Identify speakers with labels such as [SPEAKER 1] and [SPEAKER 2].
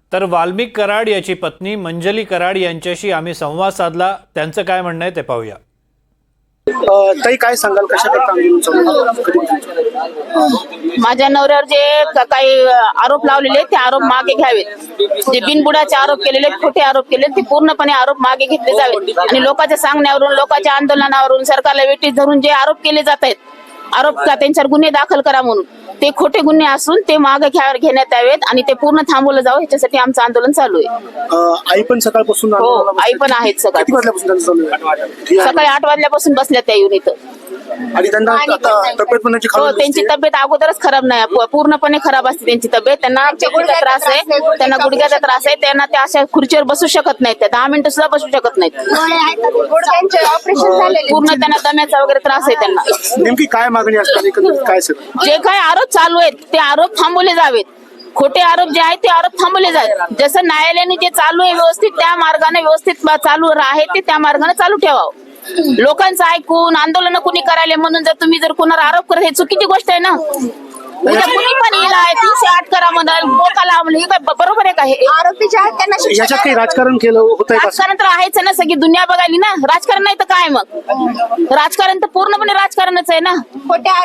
[SPEAKER 1] तर वाल्मिक कराड याची पत्नी मंजली कराड यांच्याशी आम्ही संवाद साधला। त्यांचं काय म्हणणं आहे ते पाहूया।
[SPEAKER 2] ताई, काय सांगाल, कशा करता आंदोलन चालू आहे?
[SPEAKER 3] माझ्या नवऱ्यावर जे काही आरोप लावलेले ते आरोप मागे घ्यावेत। जे बिनबुडाचे आरोप केलेले, खोटे आरोप केले, ते पूर्णपणे आरोप मागे घेतले जावेत आणि लोकांच्या सांगण्यावरून, लोकांच्या आंदोलनावरून, सरकारला वेठीस धरून जे आरोप केले जात आहेत, आरोप त्यांच्यावर गुन्हे दाखल करा म्हणून, ते खोटे गुन्हे असून ते मागे घेण्यात यावेत आणि ते पूर्ण थांबवलं जावं, ह्याच्यासाठी आमचं आंदोलन चालू आहे।
[SPEAKER 2] आई पण सकाळपासून
[SPEAKER 3] हो, आई पण आहेत।
[SPEAKER 2] किती वाजल्यापासून त्यांचं चालू आहे?
[SPEAKER 3] सकाळी 8 वाजल्यापासून बसल्या त्या येऊन इथं।
[SPEAKER 2] आणि त्यांना आता तब्येत पण त्यांची
[SPEAKER 3] हो,
[SPEAKER 2] खराब
[SPEAKER 3] त्यांची तब्येत अगोदरच खराब नाही, पूर्णपणे खराब असते त्यांची तब्येत। त्यांना गुडघ्याचा त्रास आहे, त्यांना गुडघ्याचा त्रास आहे, त्यांना त्या अशा खुर्चीवर बसू शकत नाहीत, त्या 10 मिनिटं सुद्धा बसू शकत नाहीत, पूर्ण त्यांना दम्याचा वगैरे त्रास आहे त्यांना।
[SPEAKER 2] नेमकी काय मागणी असतात, एकंदरीत काय सगळं?
[SPEAKER 3] जे काही आरोप चालू आहेत ते आरोप थांबवले जावेत, खोटे आरोप जे आहेत ते आरोप थांबवले जावेत। जसं न्यायालयाने जे चालू आहे व्यवस्थित, त्या मार्गाने व्यवस्थित चालू आहे ते त्या मार्गाने चालू ठेवावं। लोकांचं ऐकून आंदोलन कुणी करायला म्हणून जर तुम्ही जर कोणाला आरोप करत, हे चुकीची गोष्ट आहे ना। उद्या कुणी पण येईल 308 करा म्हणाल, बोकाला म्हणलं, हे काय बरोबर आहे का? हे
[SPEAKER 4] आरोपीचे आहेत त्यांना शिक्षा
[SPEAKER 2] याच्यात काही राजकारण केलं होतंय का?
[SPEAKER 3] राजकारण तर आहेच ना, सगळी दुनिया बघायली ना। राजकारण नाही तर काय मग? राजकारण तर पूर्णपणे राजकारणच आहे ना।
[SPEAKER 4] खोट्या